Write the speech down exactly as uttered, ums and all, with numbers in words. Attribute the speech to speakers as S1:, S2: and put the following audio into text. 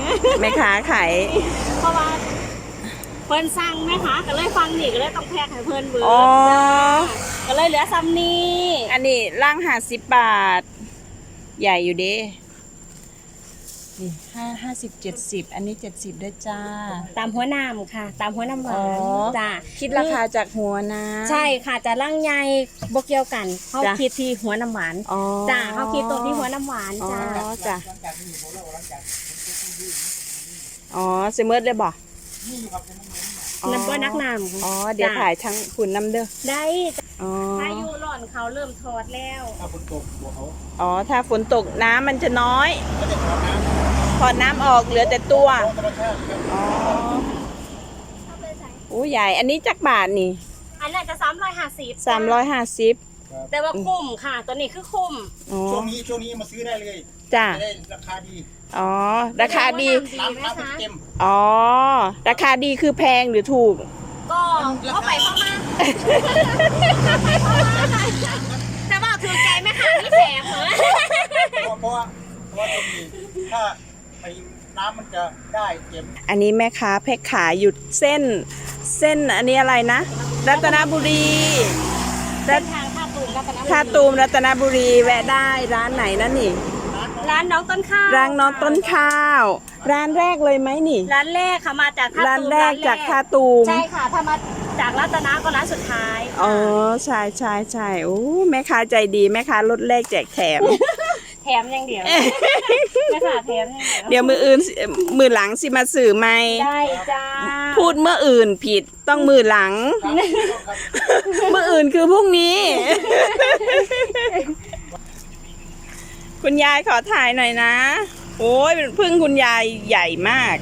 S1: แม่ค้าขาย
S2: เพราะว่าเพิ่นสั่งแม่ค้าก็เลยฟังนี่ก็เลยต้องแพ็คให้เพิ่นเบิด
S1: อ๋อ
S2: ก็เลยเหลือซ้ำนี้
S1: อันนี้ร่างห้าสิบบาท ใหญ่อยู่เด้นี่ห้าห้าสิบเจ็ดสิบอันนี้เจ็ดสิบได้จ้า
S2: ตามหัวน้ำค่ะ ตามหัวน้ำหวา
S1: อ๋
S2: น
S1: อ
S2: จ้า
S1: คิดราคาจากหัวนะ
S2: ใช่ค่ะจะร่างใหญ่บ่เกี่ยวกันเขา
S1: จ้ะ
S2: คิดที่หัวน้ำหวาน
S1: อ๋อ
S2: จ้าเขาคิดตรงที่หัวน้ำหวาน
S1: อ๋อ
S2: จ้า
S1: จ้ะอ๋อเซเมิร์ดเลยบ่
S2: น้ำบ่นักน้ำ
S1: อ๋อเดี๋ยว
S2: จ้ะ
S1: ถ่ายทั้งคุณน้ำเด้อ
S2: ได้
S1: อ๋อ
S2: พายุร้อนเขาเริ่มทอดแล้ว
S3: ถ้าฝนตกบัวเขา
S1: อ๋อถ้าฝนตกน้ำมันจะน้อย
S3: ก็จะขอน้ำ
S1: พอน้ำออกเหลือแต่ตัว
S3: ธรรมชาติครับ
S1: อ๋อโอ้ใหญ่ อันนี้จักบาทนี่
S2: อันนั้นจะสามร้อยห้าสิบ
S1: สามร้อยห้าสิบ
S2: แต่ว่าคุ้มค่ะ ตัวนี้คือคุ้ม
S1: อ๋อ
S3: ช่วงนี้ช่วงนี้มาซื้อได้เลย
S1: จ้ะ
S3: จะได้ราคาดี
S1: อ๋อ ราคาดี
S3: น้ำน้ำมันเต็ม
S1: อ๋อ ราคาดีคือแพงหรือถูก
S2: ก็เข้าไปเข้ามาแต่ว่าถือใจไหมคะนี่แถมเหรอ
S3: เพราะเพราะว่าเพราะว่าตรงนี้ถ้าไปน้ำมันจะได้เต็ม
S1: อันนี้แม่ค้าแพ็คขายหยุดเส้น เส้นอันนี้อะไรนะ รัตนบุรี
S2: เส้นทางท่าตูมรัตนบุรี
S1: ท่าตูมรัตนบุรีแวะได้ร้านไหนนั่นนี่
S2: ร้านน้องต้นข้าว
S1: ร้านน้องต้นข้าว ร้านแรกเลยไหมนี่
S2: ร้านแรกค่ะมาจากท่าตูม
S1: ร้านแรกจากท่าตูม
S2: ใช่ค่ะถ้ามาจากรัตนาก็ร้านสุดท้าย
S1: อ๋อใช่ใช่ใช่โอ้แม่ค้าใจดีแม่ค้าลดแลกแจกแถม
S2: แถมอย่างเดียวไม่ค่ะแถมอย่างเดียว
S1: เดี๋ยวมืออื่นสิมือหลังสิมาสื่อไหม
S2: ได้จ้า
S1: พูดเมื่ออื่นผิดต้องมือหลัง เมื่ออื่นคือพรุ่งนี้ คุณยายขอถ่ายหน่อยนะ โอ้ยพึ่งคุณยายใหญ่มาก